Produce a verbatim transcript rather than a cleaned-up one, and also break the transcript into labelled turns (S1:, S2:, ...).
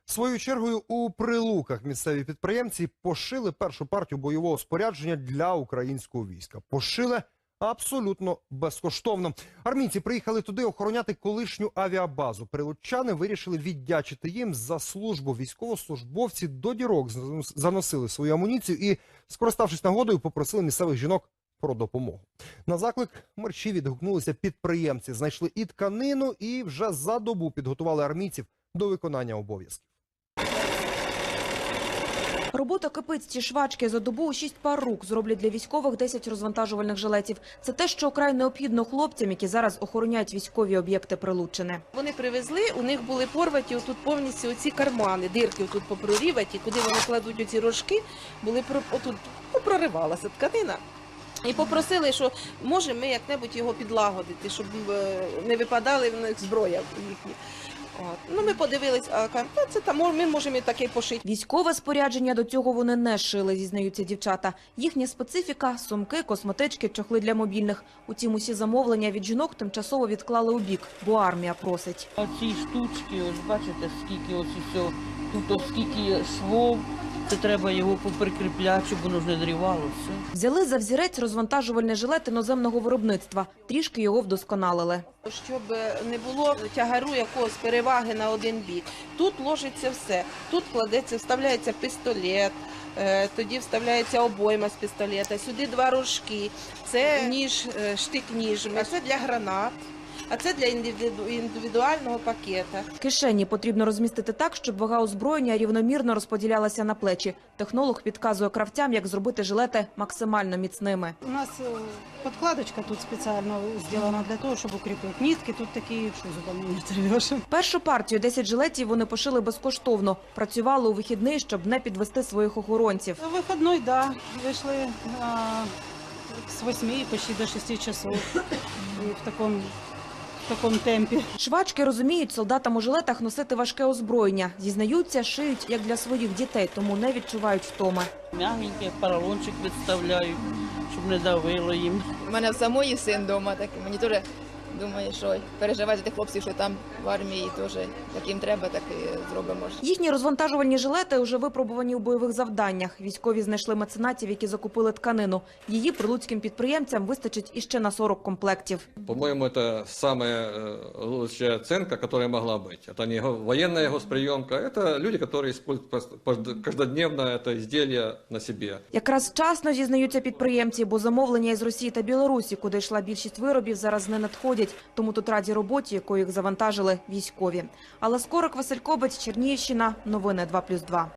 S1: Своєю чергою у Прилуках місцеві підприємці пошили першу партію бойового спорядження для українського війська. Пошили абсолютно безкоштовно. Армійці приїхали туди охороняти колишню авіабазу. Прилуччани вирішили віддячити їм за службу. Військовослужбовці до дірок заносили свою амуніцію і, скориставшись нагодою, попросили місцевих жінок про допомогу. На заклик мерчі відгукнулися підприємці. Знайшли і тканину, і вже за добу підготували армійців до виконання обов'язків.
S2: Робота кипить. Ці швачки за добу у шість пар рук зроблять для військових десять розвантажувальних жилетів. Це те, що вкрай необхідно хлопцям, які зараз охороняють військові об'єкти Прилуччини.
S3: Вони привезли, у них були порваті отут повністю оці кармани, дирки отут попроріваті, куди вони кладуть оці рожки, були отут проривалася тканина. І попросили, що може ми як-небудь його підлагодити, щоб не випадали в них зброя їхні. От. Ну, ми подивились, а кажуть, це там ми можемо і таке пошити.
S2: Військове спорядження до цього вони не шили, зізнаються дівчата. Їхня специфіка – сумки, косметички, чохли для мобільних. Утім, усі замовлення від жінок тимчасово відклали у бік, бо армія просить.
S4: Оці штучки, ось бачите, скільки ось усього, тут ось скільки швов. Це треба його поприкріпляти, щоб воно не дрівало все.
S2: Взяли за взірець розвантажувальний жилет іноземного виробництва. Трішки його вдосконалили.
S3: Щоб не було тягару якогось переваги на один бік. Тут ложиться все. Тут кладеться, вставляється пістолет, тоді вставляється обойма з пістолета, сюди два рожки. Це ніж, штик-ніж, а це для гранат. А це для індивідуального пакета.
S2: Кишені потрібно розмістити так, щоб вага озброєння рівномірно розподілялася на плечі. Технолог підказує кравцям, як зробити жилети максимально міцними.
S5: У нас подкладочка тут спеціально зроблена для того, щоб укріпити. Нитки тут такі, що зубами не зривеш.
S2: Першу партію десять жилетів вони пошили безкоштовно. Працювали у вихідний, щоб не підвести своїх охоронців.
S5: Вихідний, так. Да. Вийшли а, з восьми почти до шести часов. І в такому... в такому темпі.
S2: Швачки розуміють, солдатам у жилетах носити важке озброєння. Зізнаються, шиють як для своїх дітей, тому не відчувають втоми.
S4: М'ягеньке, поролончик відставляють, щоб не давило їм.
S6: У мене в самої син вдома, так мені теж думаю, що переживати за тих хлопців, що там в армії теж таким треба, так і зробимо.
S2: Їхні розвантажувальні жилети вже випробувані у бойових завданнях. Військові знайшли меценатів, які закупили тканину. Її прилуцьким підприємцям вистачить іще на сорок комплектів.
S7: По-моему, это самая лучшая оценка, которая могла быть. Это не военная госприемка, это люди, которые используют каждодневно это изделие на себе.
S2: Якраз вчасно, зізнаються підприємці, бо замовлення із Росії та Білорусі, куди йшла більшість виробів, зараз не надходять. Тому тут раді роботі, якою їх завантажили військові. Алла Скорик, Василь Кобець, Чернігівщина. Новини два плюс два.